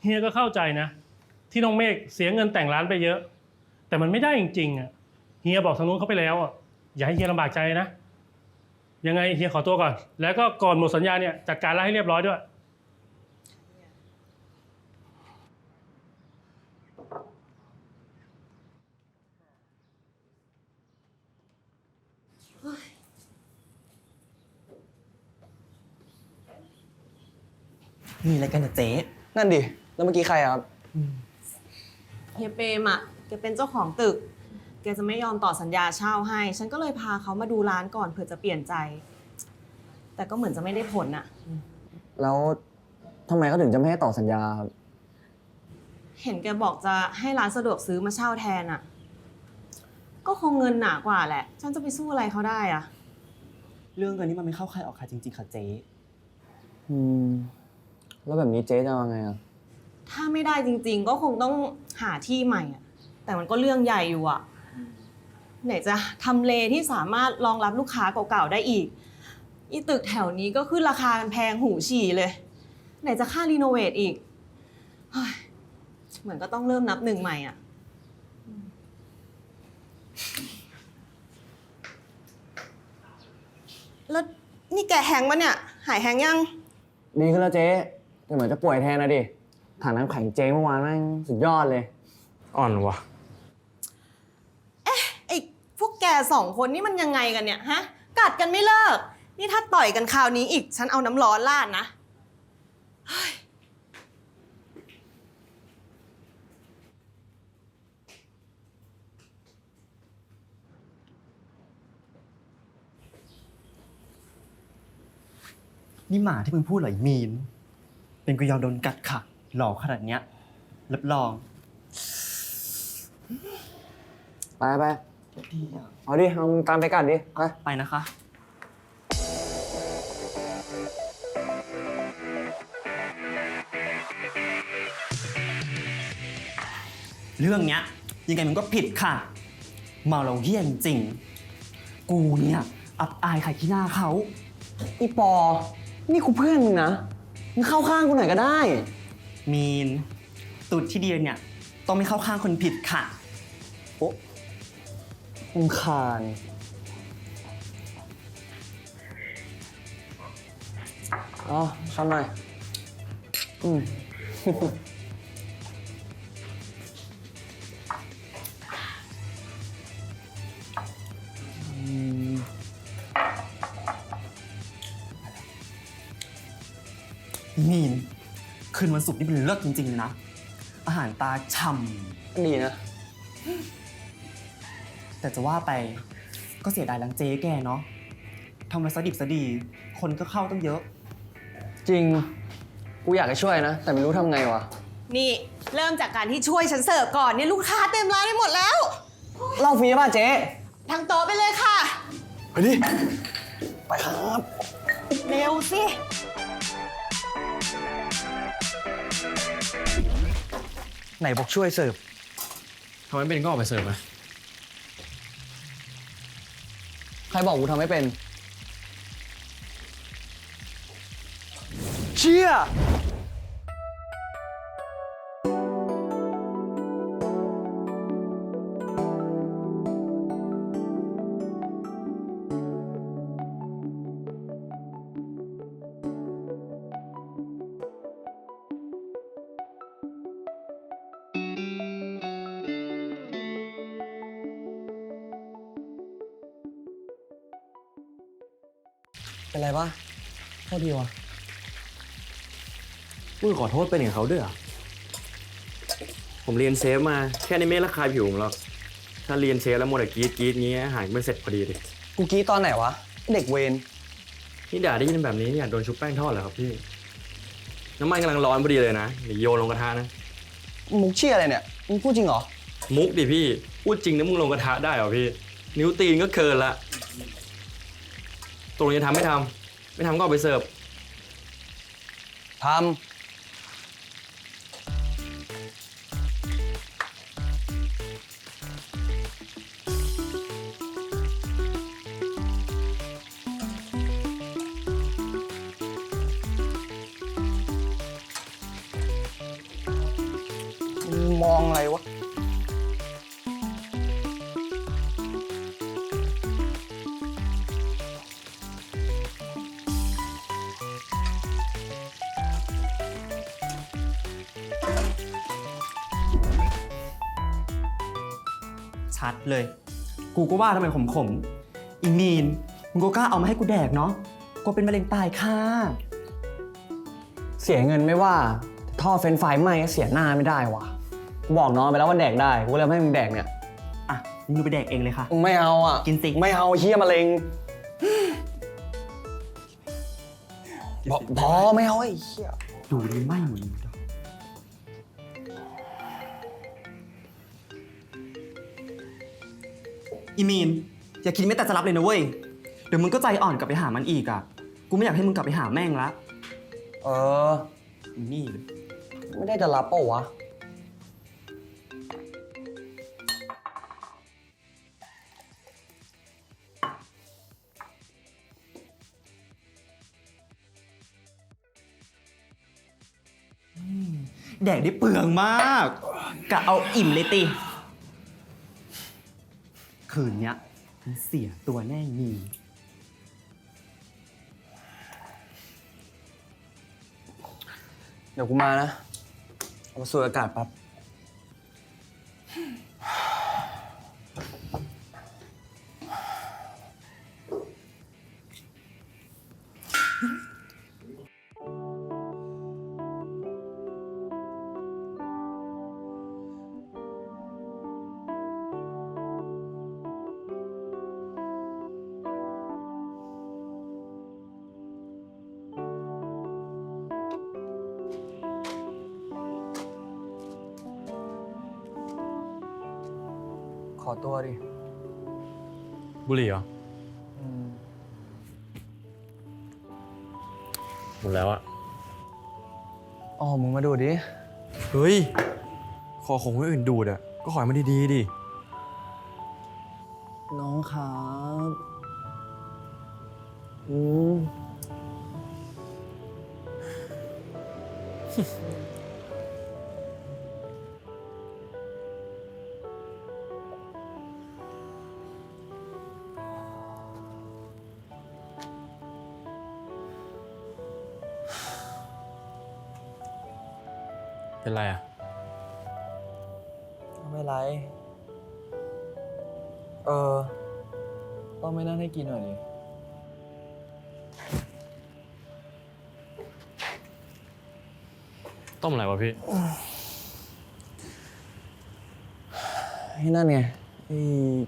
ฮียก็เข้าใจนะที่น้องเมฆเสียเงินแต่งร้านไปเยอะแต่มันไม่ได้จริงๆอ่ะเฮียบอกทางนู้นเขาไปแล้วอ่ะอย่าให้เฮียลำบากใจนะยังไงเฮียขอตัวก่อนแล้วก็ก่อนหมดสัญญาเนี่ยจัดการร้านให้เรียบร้อยด้วยมีอะไรกันนะเจ๊นั่นดิ แล้วเมื่อกี้ใครครับเฮียเปรมอะแกเป็นเจ้าของตึกแกจะไม่ยอมต่อสัญญาเช่าให้ฉันก็เลยพาเขามาดูร้านก่อนเผื่อจะเปลี่ยนใจแต่ก็เหมือนจะไม่ได้ผลอะแล้วทำไมเขาถึงจะไม่ให้ต่อสัญญาครับเห็นแกบอกจะให้ร้านสะดวกซื้อมาเช่าแทนอะก็คงเงินหนากว่าแหละฉันจะไปสู้อะไรเขาได้อะเรื่องเงินนี่มันไม่เข้าใครออกใครจริงๆค่ะเจ๊แล้วแบบนี้เจ๊จะเอาไงอ่ะถ้าไม่ได้จริงๆ ก็คงต้องหาที่ใหม่อะแต่มันก็เรื่องใหญ่อยู่อะไหนจะทำเลที่สามารถรองรับลูกค้าเก่าๆได้อีกอีตึกแถวนี้ก็ขึ้นราคากันแพงหูฉี่เลยไหนจะค่ารีโนเวทอีกเฮ้ยเหมือนก็ต้องเริ่มนับหนึ่งใหม่อะแล้วนี่แกแฮงก์ปะเนี่ยหายแฮงก์ยังดีขึ้นแล้วเจ๊แต่เหมือนจะป่วยแทนนะดิถังน้ำแข็งเจ๊เมื่อวานแม่งสุดยอดเลยอ่อนวะไอ้พวกแกสองคนนี่มันยังไงกันเนี่ยฮะกัดกันไม่เลิกนี่ถ้าต่อยกันคราวนี้อีกฉันเอาน้ำร้อนราดนะเฮ้ยนี่หมาที่มึงพูดเหรอไอ้มีน เป็นกูยอมโดนกัดค่ะ หล่อขนาดเนี้ยรับรองไปไปดีอ่ะเอาดิเอามึงตามไปกัดดิ ไปไปนะคะ เรื่องเนี้ยยังไงมันก็ผิดค่ะ เมาเราเฮี้ยนจริง กูเนี่ยอับอายใครที่หน้าเขาอีปอ นี่กูเพื่อนมึงนะ มึงเข้าข้างกูหน่อยก็ได้มีนตุดที่เดียเนี่ยต้องไม่เข้าข้างคนผิดค่ะโอ๊ะรำคาญอ๋อช้อนหน่อยมีนคืนวันศุกร์นี่มันเลิศจริงๆเลยนะ อาหารตาฉ่ดีนะำแต่จะว่าไปก็เสียดายร้านเจ๊แกเนาะทำมาซะดิบซะดี คนก็เข้าตั้งเยอะจริง กูอยากจะช่วยนะ แต่ไม่รู้ทำไงวะนี่เริ่มจากการที่ช่วยฉันเสิร์ฟก่อนเนี่ยลูกค้าเต็มร้านไปหมดแล้วเล่าฟรีป่ะเจ๊ทางโต๊ะไปเลยค่ะไปดิ ไปครับเร็วสิไหนบอกช่วยเสิร์ฟทำไมเป็นก็ออกไปเสิร์ฟไหมใครบอกกูทำไม่เป็น เชี่ย เป็นไรปะโทษทีวะมึงขอโทษเป็นอย่างเขาด้วยเหรอผมเรียนเซฟมาแค่นี้ไม่ระคายผิวผมหรอกถ้าเรียนเซฟแล้วโมดแต่กรีดงี้อาหารไม่เสร็จพอดีเลยกูกรี้ตอนไหนวะ เด็กเวรนี่ด่าได้ยินแบบนี้เนี่ยโดนชุบแป้งทอดเหรอครับพี่น้ำมันกำลังร้อนพอดีเลยนะอย่าโยนลงกระทะนะมุกเชี่ยอะไรเนี่ย มึงพูดจริงเหรอมุกดิพี่พูดจริงนะมึงลงกระทะได้เหรอพี่นิ้วตีนก็เกินละตกลงจะทำไม่ทำไม่ทำก็เอาไปเสิร์ฟทำมองอะไรวะชัดเลย กูก็ว่าทำไมขมๆอีมีนมึงก็กล้าเอามาให้กูแดกเนาะกูเป็นมะเร็งตายค่ะเสียเงินไม่ว่าแต่ท่อเฟรนช์ฟรายไหม้ก็เสียหน้าไม่ได้วะกูบอกน้องไปแล้วว่าแดกได้ กูเลยไม่ให้มึงแดกเนี่ยอ่ะมึงไปแดกเองเลยค่ะมึงไม่เอาอ่ะกินสิไม่เอาเฮียมะเร็งพอไม่เอาไอ้เฮียดูดิไหม้หมดเลยอีมีนอย่าคิดไม่แต่จะรับเลยนะเว้ย เดี๋ยวมึงก็ใจอ่อนกลับไปหามันอีกอ่ะ กูไม่อยากให้มึงกลับไปหาแม่งละเอออีนี่เลยไม่ได้จะรับเปล่าวะแดกได้เปลืองมากกะเอาอิ่มเลยติ คืนเนี้ยมึงเสียตัวแน่มีเดี๋ยวกูมานะ เอามาสูดอากาศแป๊บ ขอตัวดิบุหรี่เหรอหมดแล้วอะอ๋อ มึงมาดูดิเฮ้ย ขอของคนอื่นดูดอะก็ขอให้มันดีๆดิน้องครับมเป็นไรอะไม่ไร ต้องไม่นั่งให้กินหน่อยดิต้มอะไรวะพี่ให้นั่นไงไอ้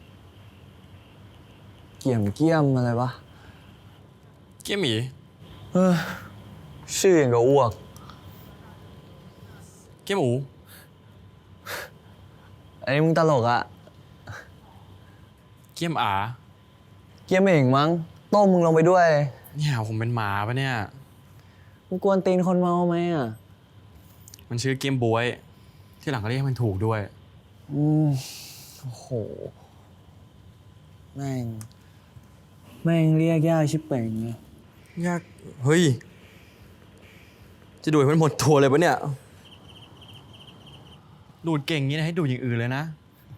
เกี่ยมอะไรวะเกี้ยมหมีเออชื่ออย่างกับอ้วกเกี้ยมหมูอันนี้มึงตลกอะเกี้ยมอาเกี่ยมเองมั้ง ต้มมึงลงไปด้วยเนี่ยผมเป็นหมาปะเนี่ยมึงกวนตีนคนเมาไหมอะมันชื่อเกี้ยมบวย ที่หลังก็เรียกให้มันถูกด้วยโอ้โห แม่งเรียกยากชิบเป่งเลยยาก เฮ้ย จะดูดให้มันหมดตัวเลยปะเนี่ย ดูดเก่งงี้นะให้ดูดอย่างอื่นเลยนะ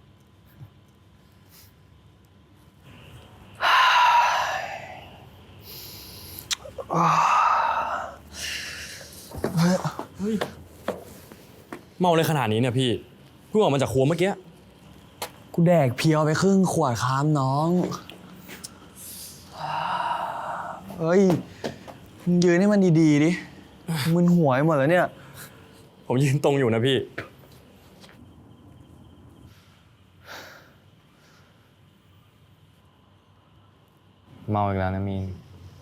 เฮ้ย เมาเลยขนาดนี้เนี่ยพี่เพิ่งออกมาจากครัวเมื่อกี้กูแดกเพียวไปครึ่งขวดครับน้อง เฮ้ย มึงยืนให้มันดีๆดิ มึนหัวไปหมดแล้วเนี่ยผมยืนตรงอยู่นะพี่เมาอีกแล้วนะมีน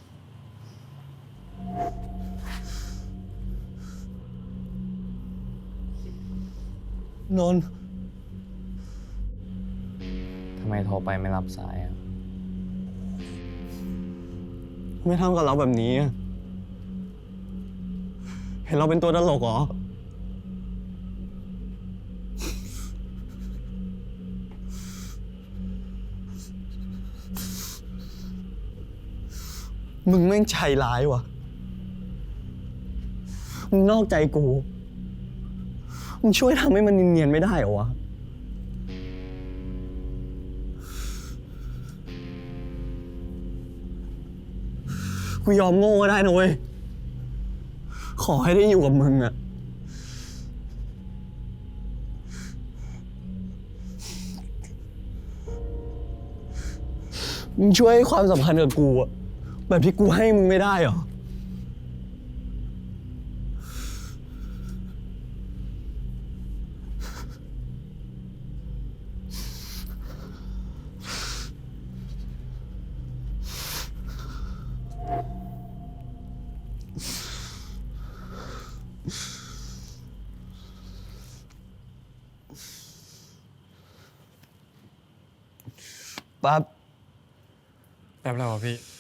นนท์ทำไมโทรไปไม่รับสายอ่ะ ไม่ทำกับเราแบบนี้อะเห็นเราเป็นตัวตลกเหรอ มึงแม่งใจร้ายวะมึงนอกใจกูมึงช่วยทำให้มันเนียนๆไม่ได้เหรอวะ กูยอมโง่ก็ได้นะเว้ย ขอให้ได้อยู่กับมึงอะมึงช่วยให้ความสำคัญกับกูอะแบบที่กูให้มึงไม่ได้เหรอ ปั๊บแป๊บแล้วเหรอพี่